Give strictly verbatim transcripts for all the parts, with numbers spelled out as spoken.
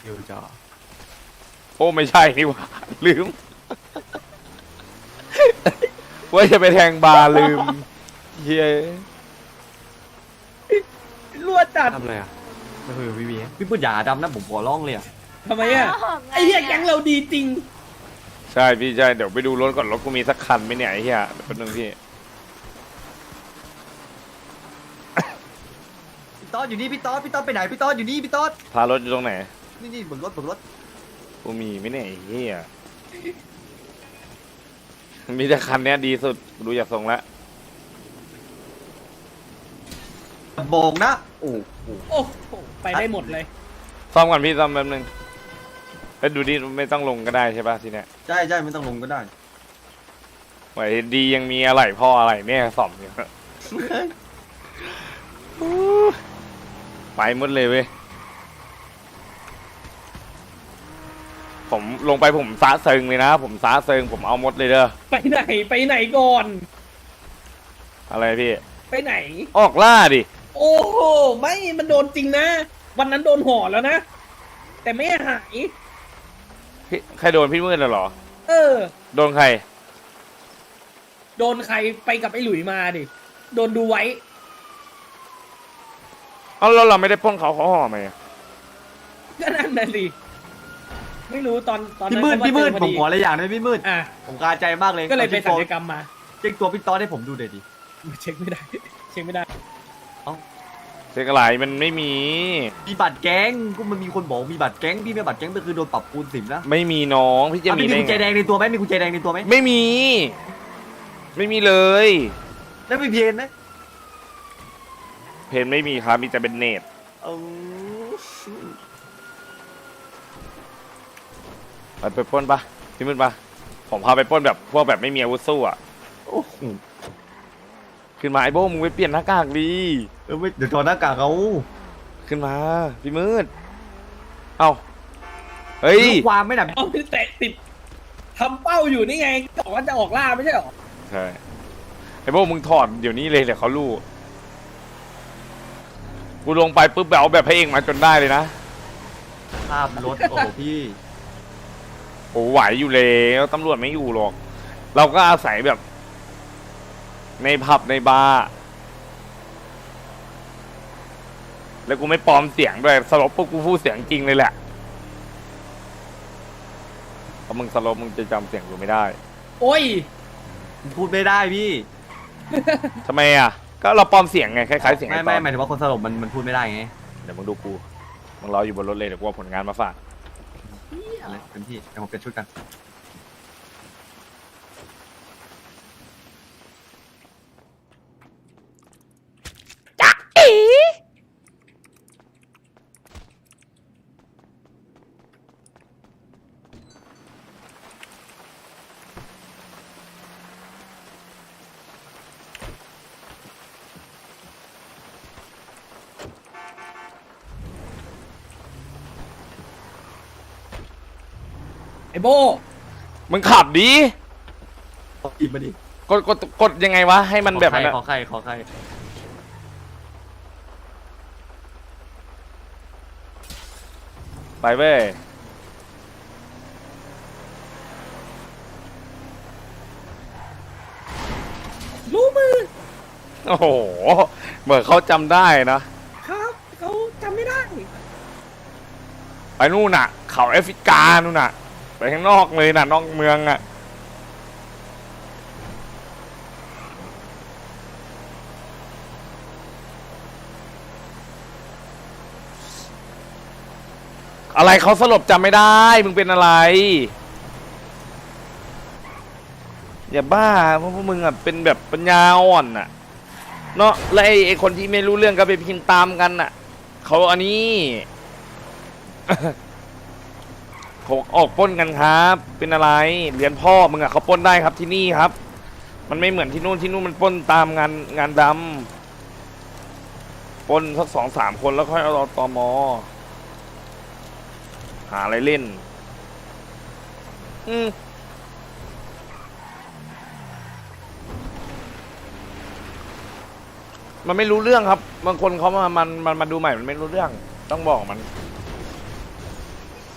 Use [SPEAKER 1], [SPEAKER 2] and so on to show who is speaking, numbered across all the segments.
[SPEAKER 1] อยู่จอ
[SPEAKER 2] โอ้ไม่ใช่นี่หว่าลืมว่าจะไปแทงบาร์ลืมเฮ้ย
[SPEAKER 3] รั่วจัด
[SPEAKER 1] ทำอะไรอ่ะไม่คุยกับพี่บี
[SPEAKER 4] พี่ปืนอย่าดำนะผมขอร้องเลยอ่ะ
[SPEAKER 3] ทำไมอ่ะไอ้เหี้ยแก๊งเราดีจริง
[SPEAKER 2] ใช่พี่ใช่เดี๋ยวไปดูรถก่อนรถกูมีสักคันไหมเนี่ยไอ้เหี้ยแป๊บนึงพี่
[SPEAKER 4] พี่ต๊อดอยู่นี่พี่ต๊อดพี่ต๊อดไปไหนพี่ต๊อดอยู่นี่พี่ต๊อด
[SPEAKER 2] พารถอยู่ตรงไหน
[SPEAKER 4] นี่นี่บนรถบนรถ
[SPEAKER 2] กูมีไหมเนี่ยไอ้เหี้ยมีแต่คันเนี้ยดีสุดดูจากทรงแล้ว
[SPEAKER 4] โบกนะโอ้โห
[SPEAKER 3] โอ้โหไปได้หมดเลย
[SPEAKER 2] ซ่อมก่อนพี่ซ่อมแป๊บนึงไปดูดิไม่ต้องลงก็ได้ใช่ป่ะทีเนี้ย
[SPEAKER 4] ใช่ใช่ไม่ต้องลงก็ได้
[SPEAKER 2] ไหวดียังมีอะไรพ่ออะไรเนี่ยซ่อมอยู่ไปหมดเลยเว้ยผมลงไปผมซะเซิงเลยนะผมซะเซิงผมเอาหมดเลยเด้อ
[SPEAKER 3] ไปไหนไปไหนก่อน
[SPEAKER 2] อะไรพี่
[SPEAKER 3] ไปไหน
[SPEAKER 2] ออกล่าดิ
[SPEAKER 3] โอ้โหไม่มันโดนจริงนะ วันนั้นโดนห่อแล้วนะ แต่ไม่หาย
[SPEAKER 2] พี่ใครโดนพี่มืดเหรอ
[SPEAKER 3] เออ
[SPEAKER 2] โดนใคร
[SPEAKER 3] โดนใครไปกับไอ้หลุยมาดิโดนดูไว้
[SPEAKER 2] เอาแล้วเราไม่ได้ปล้นเขาเขาห่อไหมอะ
[SPEAKER 3] ก็นั่นน่ะสิไม่รู้ตอนตอน
[SPEAKER 4] พี่
[SPEAKER 3] นั้น
[SPEAKER 4] มืด
[SPEAKER 3] เขาา
[SPEAKER 4] พี่มืด
[SPEAKER 3] เจอพ
[SPEAKER 4] ผ
[SPEAKER 3] อ
[SPEAKER 4] มขออะไรอย่างหนึงพี่มืด
[SPEAKER 3] อ่ะ
[SPEAKER 4] ผมคาใจมากเลย
[SPEAKER 3] ก็เลยไปศัลย
[SPEAKER 4] ก
[SPEAKER 3] กรรมมา
[SPEAKER 4] เช็คตัวพี่ต๊อดให้ผมดูหน่อยดิ
[SPEAKER 3] เช็คไม่ได้ เช็คไม่ได้
[SPEAKER 2] เช็คอะไรมันไม่มี
[SPEAKER 4] มีบัตรแก๊งก็มันมีคนบอกมีบัตรแก๊งพี่ไม่บัตรแก๊งก็คือโดนปรับคูณสิบนะ
[SPEAKER 2] ไม่มีน้องพี่จะ
[SPEAKER 4] อ่ะ
[SPEAKER 2] มี
[SPEAKER 4] พี่มี
[SPEAKER 2] ได้
[SPEAKER 4] กุญแจแด
[SPEAKER 2] ไง
[SPEAKER 4] งในตัวไหมมีกุญแจแดงในตัวไหม
[SPEAKER 2] ไม่มี ไม่มีเลย
[SPEAKER 4] แล้วไม่เพียนไหม
[SPEAKER 2] เพนไม่มีครับมีแต่เป็นเนต
[SPEAKER 4] เออ
[SPEAKER 2] ไปไปปล้นปะพี่มืดปะผมพาไปปล้นแบบพวกแบบไม่มีอาวุธสู้อ่ะ
[SPEAKER 4] โอ้โห
[SPEAKER 2] ขึ้นมาไอ้โบ้มึงไปเปลี่ยนหน้ากากดี
[SPEAKER 4] เออไม่เดี๋ยวถอดหน้ากากเอา
[SPEAKER 2] ขึ้นมาพี่มืดเอ้าเฮ้ย
[SPEAKER 4] ลูกความไม่หนัก
[SPEAKER 3] เอาไปแตะติดทำเป้าอยู่นี่ไงบอกว่าจะออกล่าไม่ใช่หรอ
[SPEAKER 2] ใช่ไอ้โบ้มึงถอดเดี๋ยวนี้เลยเดี๋ยวเขารู้กูลงไปปุ๊บแบบเอาแบบพระเอกมาจนได้เลยนะ
[SPEAKER 4] ภาพรถโอ้โหพี่
[SPEAKER 2] โอ้ไหวอยู่แล้วตำรวจไม่อยู่หรอก เราก็อาศัยแบบ ในผับในบาร์แล้วกูไม่ปลอมเสียงด้วยสลบปุ๊บกูพูดเสียงจริงเลยแหละถ้ามึงสลบมึงจะจำเสียงกูไม่ได้
[SPEAKER 3] โอ้ย
[SPEAKER 4] พูดไม่ได้พี่
[SPEAKER 2] ทำไมอ่ะ ก็เราปลอมเสียงไงคล้ายๆเสียง
[SPEAKER 4] ไม่
[SPEAKER 2] ไอ้ต
[SPEAKER 4] ไม่
[SPEAKER 2] อน
[SPEAKER 4] หมายถึงว่าคนสลบมันมันพูดไม่ได้ไง
[SPEAKER 2] เดี๋ยวมึงดูกูมึงรออยู่บนรถเลยเดี๋ยวกูเอาผลงานมาฝาก
[SPEAKER 4] อะไรเป็นที่เดี๋ยวผมเปลี่ยนชุดกัน
[SPEAKER 3] ไอ้โบ
[SPEAKER 2] มึงขับดี
[SPEAKER 4] อีกมาดิ
[SPEAKER 2] กดกดกดยังไงวะให้มันแบบ
[SPEAKER 4] ขอ
[SPEAKER 2] นั้น
[SPEAKER 4] ใคร
[SPEAKER 2] อะ
[SPEAKER 4] ขอใครขอใคร
[SPEAKER 2] ไปเว้ย
[SPEAKER 3] รู้มือ
[SPEAKER 2] โอ้โหเหมือนเขาจำได้นะครับ
[SPEAKER 3] เขาจำไม่ได้
[SPEAKER 2] ไปนู่นน่ะ เขาแอฟริกานู่นน่ะ ไปข้างนอกเลยน่ะนอกเมืองอ่ะอะไรเขาสลบจำไม่ได้ มึงเป็นอะไร อย่าบ้าเพราะพวกมึงอ่ะเป็นแบบปัญญาอ่อนน่ะเนาะแล้วไอ้ไอ้คนที่ไม่รู้เรื่องก็ไปพิมพ์ตามกันน่ะเขาอันนี้ เขาออกปล้นกันครับ เป็นอะไรเรียนพ่อมึงอ่ะเขาปล้นได้ครับที่นี่ครับ มันไม่เหมือนที่นู่นที่นู่นมันปล้นตามงานงานดำปล้นสักสองสามคนแล้วค่อยเอาตมหาอะไรเล่น อืมมันไม่รู้เรื่องครับบางคนเขามามันมันมาดูใหม่มันไม่รู้เรื่องต้องบอกมัน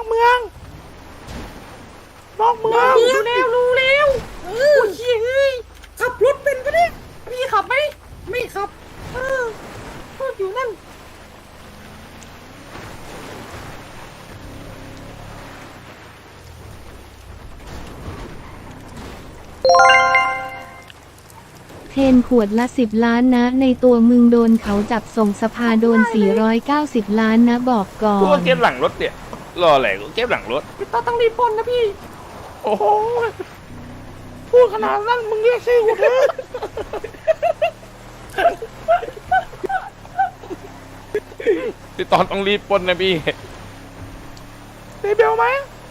[SPEAKER 2] อกเมืองนอกเมือง
[SPEAKER 3] รู้แล้วรู้แล้วเออเฮ้ยขับรถเป็นปะเนี่ยพี่ขับไหมไม่ขับเออก็อยู่นั่น
[SPEAKER 5] เทนขวดละสิบล้านนะ ในตัวมึงโดนเขาจับส่งสภาโดนสี่ร้อยเก้าสิบล้านนะบอกก่อ
[SPEAKER 2] กูก็
[SPEAKER 5] น
[SPEAKER 2] เก็บหลังรถเนี่ยรออะไรกูเก็บหลังรถ
[SPEAKER 3] พี่ต้อต้องรีบปล้นนะพี่
[SPEAKER 2] โอ้โหพูดขนาดนั้นมึงเรียกชื่อกูเถอะพี่ตอนต้องรีบปล้นนะพี่เรเบลไหม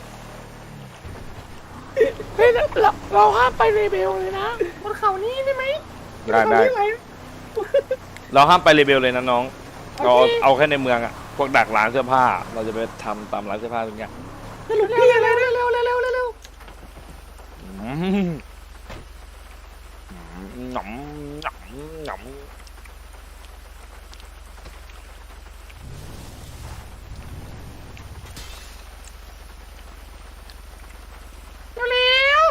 [SPEAKER 2] เฮ้ยเราเราห้ามไปเรเบลเลยนะ
[SPEAKER 3] บนเขานี้ได้ไหม
[SPEAKER 2] ได้ได้
[SPEAKER 3] เขาที่หน
[SPEAKER 2] เราห้ามไปเรเบลเลยนะน้อง
[SPEAKER 3] โอเค
[SPEAKER 2] เราเอาแค่ในเมืองอะพวกดักร้านเสื้อผ้า เราจะไปทำตามร้านเสื้อผ้าทุกอย่าง
[SPEAKER 3] สรุปพี่อะไรเร็วเร็วเร็วเร็วเร็ว
[SPEAKER 2] อืมหนำหนำหนำ
[SPEAKER 3] เร็วเร็ว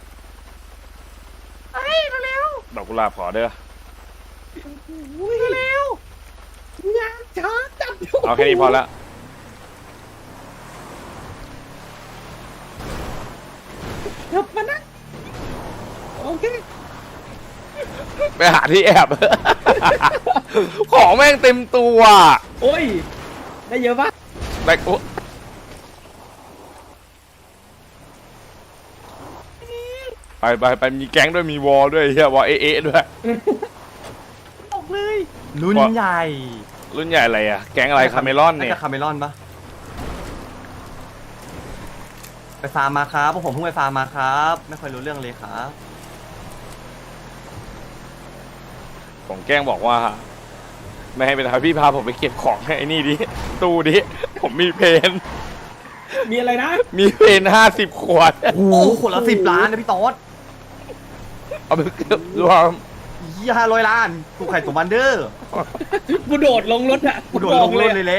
[SPEAKER 3] เฮ้ยเร็วเร็ว
[SPEAKER 2] ดอกกุหลาบขอเด้อ
[SPEAKER 3] เร็วงานช้าจัด
[SPEAKER 2] เอาแค่นี้พอละ
[SPEAKER 3] กลับมานะโอเค
[SPEAKER 2] ไปหาที่แอบ ของแม่งเต็มตัว
[SPEAKER 3] โอ้ยได้เยอะปะ
[SPEAKER 2] แต่กูไปไปไปมีแก๊งด้วยมีวอลด้วยเฮียวอลเอะเอะด้วย
[SPEAKER 3] ออกเลย
[SPEAKER 4] รุ่นใหญ่
[SPEAKER 2] รุ่นใหญ่อะไรอะแก๊งอะไรคาเมลอนเนี่ย
[SPEAKER 4] าจะคาเมลอนปะไปฟาร์มมาครับพวกผมเพิ่งไปฟาร์มมาครับ ไม่ค่อยรู้เรื่องเลยครับ
[SPEAKER 2] ผมแกล้งบอกว่า ไม่ให้ไปทำพี่พาผมไปเก็บของให้ไอ้นี่ดิตู้ดิผมมีเพน
[SPEAKER 3] มีอะไรนะ
[SPEAKER 2] มีเพนห้าสิบขวด
[SPEAKER 4] โอ้โหขวดละสิบล้านนะพี่ต๊อด
[SPEAKER 2] เอาไปเก็บรวม
[SPEAKER 4] ยี่ห้าร้อยล้านกูไข่ตัวมันเดอร์
[SPEAKER 3] กูโดดลงรถอะ
[SPEAKER 4] กูโดดลงรถเลยเละ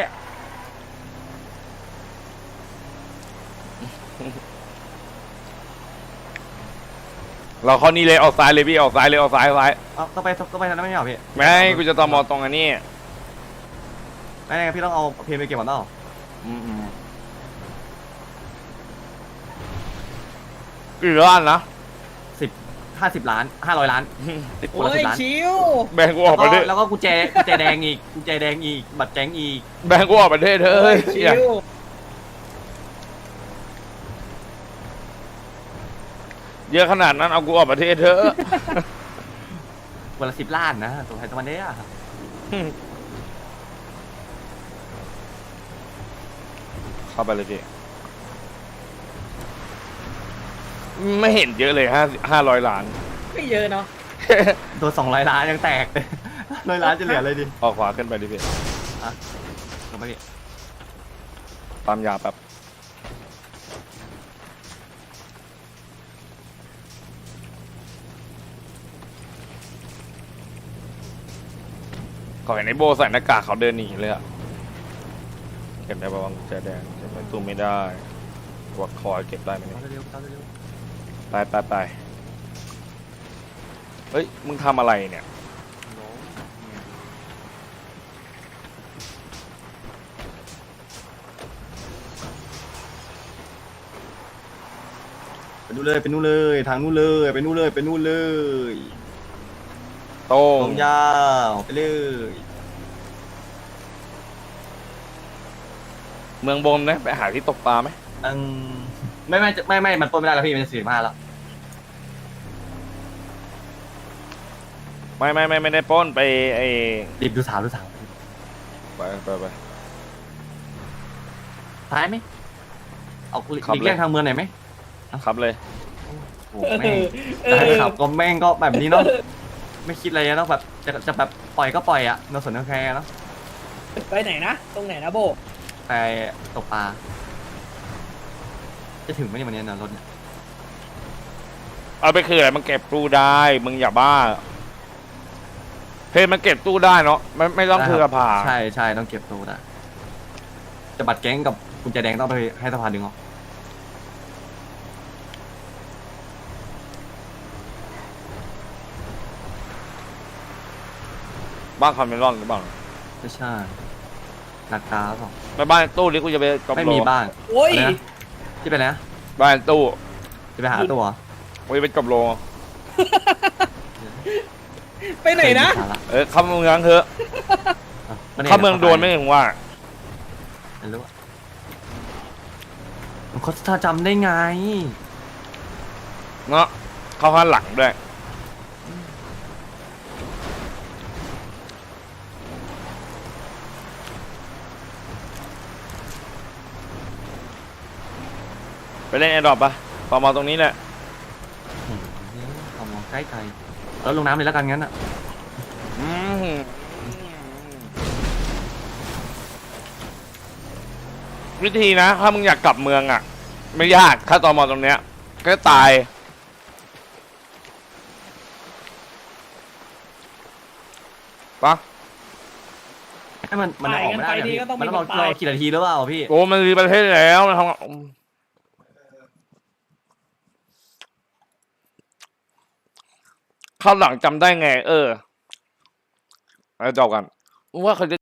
[SPEAKER 2] เราเข้านี่เลยออกซ้ายเลยพี่ออกซ้ายเลยออกซ้ายซ้าย
[SPEAKER 4] เอาต้องไปต้องไปทางนั้นไม่ใช่เหรอพี่
[SPEAKER 2] ไม่กูจะตอมอตรงอันนี้
[SPEAKER 4] ไม่ไม่พี่ต้องเอาเพลงไปเก็บก่อนเปล่า
[SPEAKER 2] อืมอืมกี่ล้านนะ
[SPEAKER 4] สิบห้าสิบล้านห้าร้อยล้านติดคน
[SPEAKER 3] โอ้
[SPEAKER 4] ละสิ
[SPEAKER 3] ย
[SPEAKER 4] บล้าน
[SPEAKER 3] ชิว
[SPEAKER 2] แบงกูออกประเทศ
[SPEAKER 4] แล้วก็กุญแจกุญแจแดงอีกกุญแจแดงอีกบัตรแก๊งอีก
[SPEAKER 2] แบงกูออกประเทศเถ
[SPEAKER 3] โอ้
[SPEAKER 2] อะ
[SPEAKER 3] ยชิว
[SPEAKER 2] เยอะขนาดนั้นเอากูออกประเทศเถอะ
[SPEAKER 4] วันละสิบล้านนะตัวไทยตัวมันเด้อะ
[SPEAKER 2] เข้าไปเลยพี่ไม่เห็นเยอะเลยห้าห้าร้อยล้าน
[SPEAKER 3] ไม่เยอะเนาะ
[SPEAKER 4] ตัวสองร้อยล้านยังแตกเลยร้อยล้านจะเหลืออะไรดิ
[SPEAKER 2] ออกขวาขึ้นไปดิพี่
[SPEAKER 4] ลงไปดิ
[SPEAKER 2] ตามยาแบบขอเห็นไอ้โบใส่หน้ากากเขาเดินหนีเลยอะเก็บได้ปะวะกุญแจแดงเก็บไว้ตู้ไม่ได้วัดคอยเก็บได้ไหมเนี่ย
[SPEAKER 4] เอาเร็วๆเอาเร็ว
[SPEAKER 2] ไปไปไปเฮ้ย มึงทำอะไรเนี่ย
[SPEAKER 4] ๆไปนู่นเลยไปนู่นเลยทางนู่นเลยไปนู่นเลยไปนู่นเลย
[SPEAKER 2] โต้
[SPEAKER 4] ตรง งยาวไปเลย
[SPEAKER 2] เมืองบนนะ ไปหาที่ตกปลาไหม
[SPEAKER 4] อืมไม่ไม่ไม่ไม่มันปล้นไม่ได้แล้วพี่มันจะสี่สิบห้าแล้ว
[SPEAKER 2] ไม่ไม่ไม่ไม่ได้ปล้นไปไอ้
[SPEAKER 4] รีบดูสาวดูสาว
[SPEAKER 2] ไปไปไป
[SPEAKER 4] ท้ายไหมเอา
[SPEAKER 2] ขับ
[SPEAKER 4] หลีก
[SPEAKER 2] เลย
[SPEAKER 4] เลี่ยงทางเมืองหน่อยไหม
[SPEAKER 2] ครับเลย
[SPEAKER 4] โอ้โหแม่งแต่ขับก็แม่งก็แบบนี้เนาะไม่คิดอะไรนะต้องแบบจะจะแบบปล่อยก็ปล่อยอะโนสนโนแคร์เนาะ
[SPEAKER 3] ไปไหนนะ ตรงไหนนะโบ
[SPEAKER 4] ไปตกปลาจะถึงไหมเนี่ยวันนี้นะรถเนี่ย
[SPEAKER 2] เอาไปคืออะไรมันเก็บตู้ได้ มึงอย่าบ้า เพจมันเก็บตู้ได้เนาะไม่ไม่ต้องเพื่อผ่า
[SPEAKER 4] ใช่ใช่ต้องเก็บตัวนะจะบัตรแก๊งกับกุญแจแดงต้องไปให้สภาดึงออก
[SPEAKER 2] บ้านคาเมรอนหรือเปล่า
[SPEAKER 4] ไม่ใช่หนักตาเปล่า
[SPEAKER 2] ไปบ้านตู้นี้กูจะไปกอบ
[SPEAKER 4] ไม่
[SPEAKER 2] โล
[SPEAKER 4] มีบ้าน
[SPEAKER 3] โอ้ย
[SPEAKER 4] อะไรนะที่ไปไหนนะ
[SPEAKER 2] บ้านตู้
[SPEAKER 4] จะไปหาตัวเหรอ
[SPEAKER 2] กูจะไปกอบโล
[SPEAKER 3] ไปไหนนะ
[SPEAKER 4] ม่มีสาระ
[SPEAKER 2] เออเข้าเมืองเถอะ
[SPEAKER 4] อ่ะนนี่ย
[SPEAKER 2] เข้าเมืองโดนไม่ถึงว่า
[SPEAKER 4] ไม่รู้อะมันเขาจะจำได้ไง
[SPEAKER 2] เนาะเข้าข้างหลังด้วยไปเล่นแอร์ดรอปปะต่อมาตรงนี้แหละ
[SPEAKER 4] เอามองใกล้ไกลแล้วลงน้ำเลยแล้วกันงั้นอ่ะ
[SPEAKER 2] อืมวิธีนะ ถ้ามึงอยากกลับเมืองอ่ะ ไม่ยากถ้าตอมอตรงเนี้ย ก็ตายปะ
[SPEAKER 4] ให้มันมันออกไม่ได้
[SPEAKER 3] ไปกันไปดี
[SPEAKER 4] พี่
[SPEAKER 3] ก็ต้อง
[SPEAKER 4] มัน
[SPEAKER 3] มี
[SPEAKER 4] ต้องรอ
[SPEAKER 3] คนตาย
[SPEAKER 4] รอกี่นาทีหรือเปล่าพี่
[SPEAKER 2] โอ้มันรีประเทศแล้วมันทำข้าวหลังจำได้ไง เออแล้วจบกันว่าเขาจะ